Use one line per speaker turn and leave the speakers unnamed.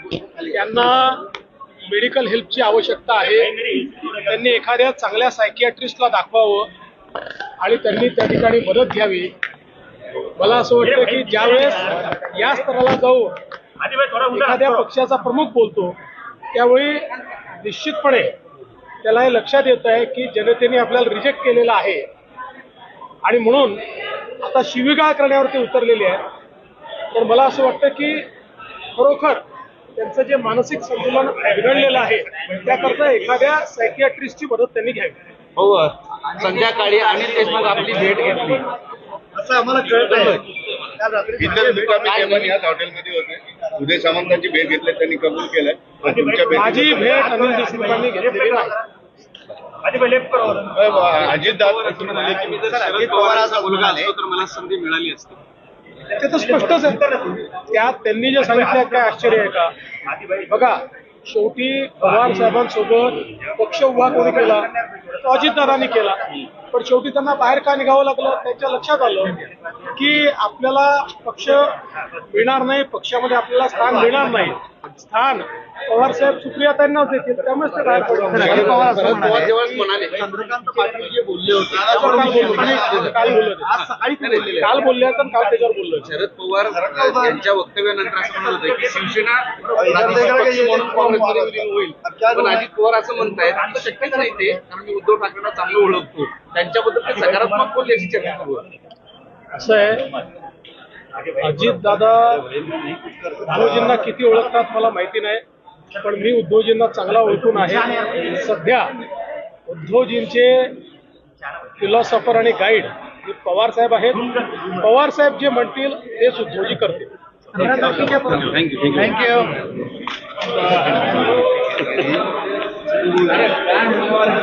त्यांना मेडिकल हेल्पची आवश्यकता आहे, त्यांनी एखाद्या चांगल्या सायकियाट्रिस्टला दाखवावं आणि त्यांनी त्या ठिकाणी मदत घ्यावी. मला असं वाटतं की ज्यावेळेस या स्तराला जाऊन एखाद्या पक्षाचा प्रमुख बोलतो त्यावेळी निश्चितपणे त्याला हे लक्षात येत आहे की जनतेने आपल्याला रिजेक्ट केलेलं आहे आणि म्हणून आता शिवीगाळ करण्यावरती उतरलेले आहेत. तर मला असं वाटतं की खरोखर त्यांचं जे मानसिक संतुलन बिघडलेलं आहे त्याकरता एखाद्या सायकियाट्रिस्टची मदत त्यांनी घ्यावी.
हो, संध्याकाळी अनिल देशमुख आपली भेट घेतली
असं आम्हाला कळत आहे. इतर मुक्कामी केवळ याच हॉटेलमध्ये होते. उदय सामंतांची भेट घेतली, त्यांनी कबूल केलंय.
माझी भेट अनिल देशमुखांनी घेतलेली नाही.
अजितदादा
शरद पवारांचा मुलगा असतो तर मला संधी मिळाली असती.
ते तर स्पष्टच आहे. त्यात त्यांनी जे सांगितलं काय आश्चर्य आहे का? बघा, शेवटी पवार साहेबांसोबत पक्ष उभा कोणी केला? तो अजितदादांनी केला. पण शेवटी त्यांना बाहेर का निघावं लागलं? त्यांच्या लक्षात आलं की आपल्याला पक्ष मिळणार नाही, पक्षामध्ये आपल्याला स्थान मिळणार नाही. स्थान पवार साहेब सुप्रियाताईंनाच देतील, त्यामुळेच ते बाहेर पडले.
शरद पवार जेव्हा म्हणाले चंद्रकांत पाटील जे बोलले होते
काल बोलले तर काल त्याच्यावर बोललो.
शरद पवार यांच्या वक्तव्यानंतर असं म्हणत होते की शिवसेना राज्याचा पक्ष म्हणून काँग्रेसमध्ये विलीन होईल. पण अजित पवार असं म्हणतायत आता शक्यच नाही ते, कारण मी उद्धव ठाकरेंना चांगलं ओळखतो, त्यांच्याबद्दल ते सकारात्मक बोलले याची चर्चा सुरू आहे.
असं आहे, अजितदादा उद्धवजींना किती ओळखतात मला माहिती नाही, पण मी उद्धवजींना चांगला ओळखून आहे. सध्या उद्धवजींचे फिलॉसॉफर आणि गाईड हे पवार साहेब आहेत. पवार साहेब जे म्हणतील तेच उद्धवजी करतील.
थँक्यू.